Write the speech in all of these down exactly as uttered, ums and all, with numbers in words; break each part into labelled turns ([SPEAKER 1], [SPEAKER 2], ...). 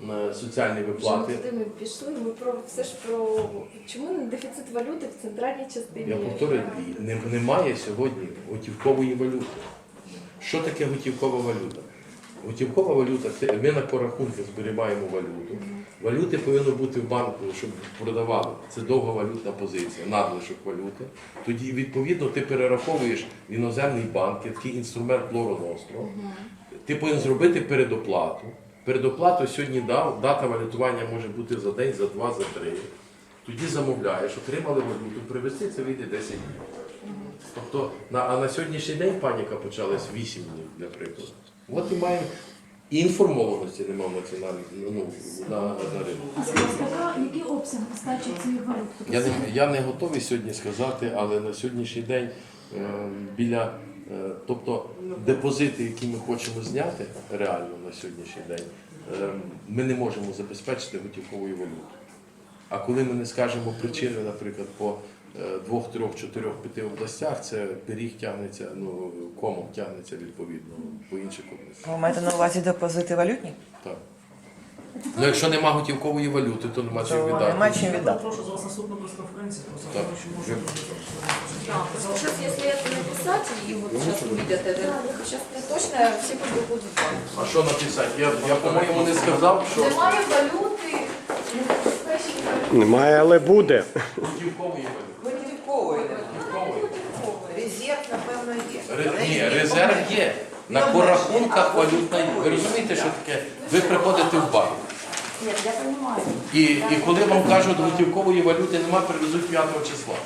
[SPEAKER 1] е, соціальні виплати.
[SPEAKER 2] Вже туди ми пішли, ми про все ж про чому не дефіцит валюти в центральній частині?
[SPEAKER 1] Я повторюю, не- немає сьогодні готівкової валюти. Що таке готівкова валюта? Готівкова валюта це ми на порахунки зберігаємо валюту. Валюти повинно бути в банку, щоб продавали. Це довга валютна позиція, надлишок валюти. Тоді, відповідно, ти перераховуєш в іноземний банк, є такий інструмент Лоро Ностро. Ти повинен зробити передоплату. Передоплату сьогодні дав, дата валютування може бути за день, за два, за три. Тоді замовляєш, отримали валюту, привезти це вийде десять днів. Тобто, на, а на сьогоднішній день паніка почалась вісім днів, для прикладу. От і маємо і інформованості немає національної ну, на, на ринку.
[SPEAKER 3] А скажіть, яка- який обсяг нестачі цієї валюти?
[SPEAKER 1] Я не, я не готовий сьогодні сказати, але на сьогоднішній день е, біля, е, тобто депозити, які ми хочемо зняти реально на сьогоднішній день, е, ми не можемо забезпечити готівковою валютою. А коли ми не скажемо причини, наприклад, по е, двох, трьох, чотирьох, п'яти областях, це пиріг тягнеться, ну, комом тягнеться відповідно по інших областях.
[SPEAKER 4] Ви маєте на увазі депозити валютні?
[SPEAKER 1] Так. Ну, якщо нема готівкової валюти, то нема чим
[SPEAKER 4] То
[SPEAKER 1] віддати.
[SPEAKER 4] нема чим віддати.
[SPEAKER 5] Прошу за вас наступна прес-конференція, просто
[SPEAKER 1] Так.
[SPEAKER 5] тому, що може
[SPEAKER 2] Да, просто сейчас, если это написать, и вот сейчас увидят это, сейчас точно всі побігуть в банк.
[SPEAKER 1] А що написати? Я, я по-моєму, не сказав, що
[SPEAKER 2] Немає валюти, не забезпечені валюти.
[SPEAKER 6] Немає, але буде.
[SPEAKER 1] готівкової валюти.
[SPEAKER 4] Готівкової.
[SPEAKER 1] Готівкової.
[SPEAKER 4] Резерв, напевно, є.
[SPEAKER 1] Ре- Ні, резерв є. На порахунках валютної. Ви розумієте, що таке? Ви приходите в банк.
[SPEAKER 3] Ні, я розумію.
[SPEAKER 1] І, і коли вам кажуть, готівкової валюти нема, привезуть п'ятого числа.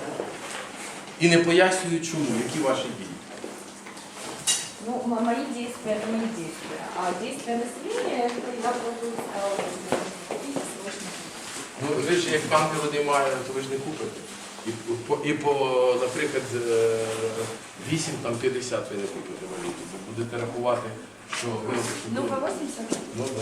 [SPEAKER 1] І не пояснюють чому, які ваші дії.
[SPEAKER 2] Ну, м- мои действия, это мои действия. А действия населения, это я буду купить срочно.
[SPEAKER 1] Ну, ви ж як банки вони мають, то ви ж не купите. І по, і по наприклад, е, вісім там п'ятдесят ви не купите валюту. Ви будете рахувати, що ви
[SPEAKER 2] Ну,
[SPEAKER 1] купили.
[SPEAKER 2] по восемьдесят.
[SPEAKER 1] Ну, да.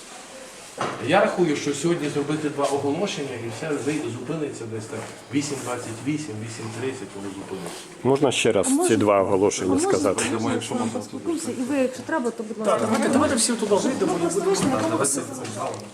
[SPEAKER 1] Я рахую, що сьогодні зробити два оголошення і все зай- зупиниться десь так вісім двадцять вісім, вісім тридцять, воно зупиниться.
[SPEAKER 6] Можна ще раз ці два оголошення сказати?
[SPEAKER 3] Можна, якщо ми поспілкуємося, і ви, якщо треба, то будь ласка.
[SPEAKER 5] Так, давайте, давайте всі туди зайдемо і
[SPEAKER 3] Просто
[SPEAKER 5] будемо.
[SPEAKER 3] вийшли, на якому